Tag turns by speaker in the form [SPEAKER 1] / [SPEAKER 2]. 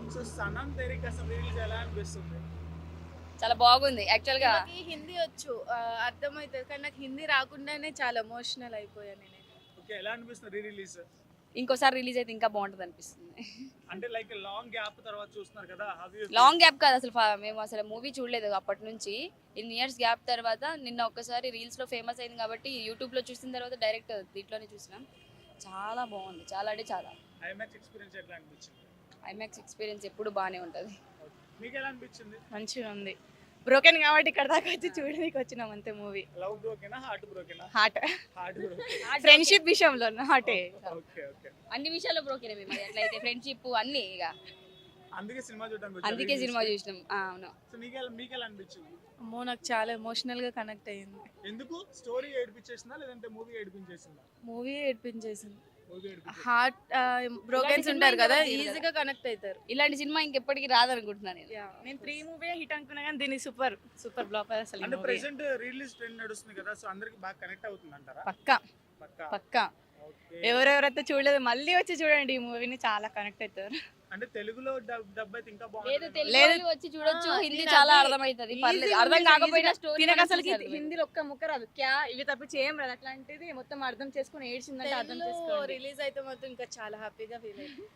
[SPEAKER 1] So సనం తెరికి అసలు release ఎలా అనిపిస్తుంది?
[SPEAKER 2] చాలా బాగుంది యాక్చువల్ గా.
[SPEAKER 3] నాకు హిందీ వచ్చు, అర్థమవుతుంది, కానీ నాకు హిందీ రాకుండానే చాలా ఎమోషనల్ అయిపోయాను నేను.
[SPEAKER 1] ఓకే, ఎలా అనిపిస్తుంది రీ రిలీజ్?
[SPEAKER 2] ఇంకోసారి రిలీజ్ అయితే ఇంకా బాగుంటది అనిపిస్తుంది.
[SPEAKER 1] అంటే లైక్ లాంగ్ గ్యాప్ తర్వాత చూస్తున్నారు కదా,
[SPEAKER 2] లాంగ్ గ్యాప్ కాదు అసలు, మేము అసలు మూవీ చూడలేదు అప్పటి నుంచి. ఇన్ని ఇయర్స్ గ్యాప్ తర్వాత నిన్న ఒక్కసారి రీల్స్ లో ఫేమస్ అయింది కాబట్టి యూట్యూబ్ లో చూసిన తర్వాత డైరెక్ట్ దీంట్లోనే చూసినాం. చాలా బాగుంది, చాలా అంటే చాలా.
[SPEAKER 1] ఐమాక్స్ ఎక్స్పీరియన్స్ ఎట్లా అనిపించింది?
[SPEAKER 2] ఐమాక్స్ ఎక్స్పీరియన్స్ ఎప్పుడు బాగానే ఉంటుంది.
[SPEAKER 1] మీకు ఎలా అనిపించింది?
[SPEAKER 3] మంచిగా ఉంది. బ్రోకెన్ కాబట్టి ఇక్కడ దాకా వచ్చి చూడడానికి వచ్చినాం అంతే. మూవీ
[SPEAKER 1] లవ్ బ్రోకెనా, హార్ట్ బ్రోకెనా?
[SPEAKER 3] హార్ట్,
[SPEAKER 1] హార్ట్
[SPEAKER 3] ఫ్రెండ్షిప్ విషయంలో హార్టే.
[SPEAKER 1] ఓకే ఓకే,
[SPEAKER 2] అన్ని విషయాల్లో బ్రోకెనే మేము, అట్లయితే ఫ్రెండ్షిప్ అన్ని ఇక.
[SPEAKER 1] అందుకే సినిమా చూడడానికి
[SPEAKER 2] అందుకే సినిమా చూసినాం. అవును.
[SPEAKER 1] సో మీకు ఎలా అనిపించింది?
[SPEAKER 3] అమ్మో, నాకు చాలా ఎమోషనల్ గా కనెక్ట్ అయ్యింది.
[SPEAKER 1] ఎందుకు? స్టోరీ ఏడిపించేసిందా లేదంటే మూవీ ఏడిపించేసిందా?
[SPEAKER 3] మూవీ ఏడిపించేసింది.
[SPEAKER 1] మూవీ ఏడిపించేసిందా?
[SPEAKER 3] హార్ట్ బ్రోకెన్స్
[SPEAKER 2] సినిమా
[SPEAKER 3] ఉంటారు కదా,
[SPEAKER 2] ఇంకా
[SPEAKER 3] ఈజీగా కనెక్ట్ అవుతారు.
[SPEAKER 2] ఇలాంటి సినిమా ఇంకెప్పటికీ రాదనుకుంటున్నాను నేను.
[SPEAKER 3] నేను 3 మూవీ హిట్ అనుకున్నా కానీ దీని సూపర్ సూపర్ బ్లాక్ అసలు.
[SPEAKER 1] అంటే ప్రెసెంట్ రిలీజ్ ట్రెండ్ నడుస్తుంది కదా, సో అందరికి బాగా కనెక్ట్ అవుతుంది అంటారా?
[SPEAKER 3] పక్కా
[SPEAKER 1] పక్కా.
[SPEAKER 3] పక్కా.
[SPEAKER 1] ఓకే.
[SPEAKER 3] ఎవరెవరైతే చూడలేదు మళ్ళీ వచ్చి చూడండి ఈ మూవీని, చాలా కనెక్ట్ అవుతారు.
[SPEAKER 1] అంటే తెలుగులో డబ్ అయితే ఇంకా
[SPEAKER 2] లేదు,
[SPEAKER 1] బాగుంటుంది.
[SPEAKER 2] తెలుగు
[SPEAKER 3] లేదు.
[SPEAKER 2] వాళ్ళు వచ్చి చూడొచ్చు, హిందీ
[SPEAKER 3] నేను
[SPEAKER 2] చాలా
[SPEAKER 3] అది
[SPEAKER 2] అర్థమవుతుంది, పర్లేదు.
[SPEAKER 3] easy
[SPEAKER 2] అర్థం
[SPEAKER 3] ఉంది,
[SPEAKER 2] కాకపోయినా
[SPEAKER 3] easy
[SPEAKER 2] స్టోరీ
[SPEAKER 3] తినక అసలు హిందీలో ఒక్క ముక్క రాదు. క్యా ఇవి తప్పించి ఏం రాదు. అట్లాంటిది మొత్తం అర్థం చేసుకుని ఏడ్చిందంటే అర్థం చేసుకోండి. రిలీజ్ అయితే మాత్రం ఇంకా చాలా హ్యాపీగా ఫీల్ అయ్యింది.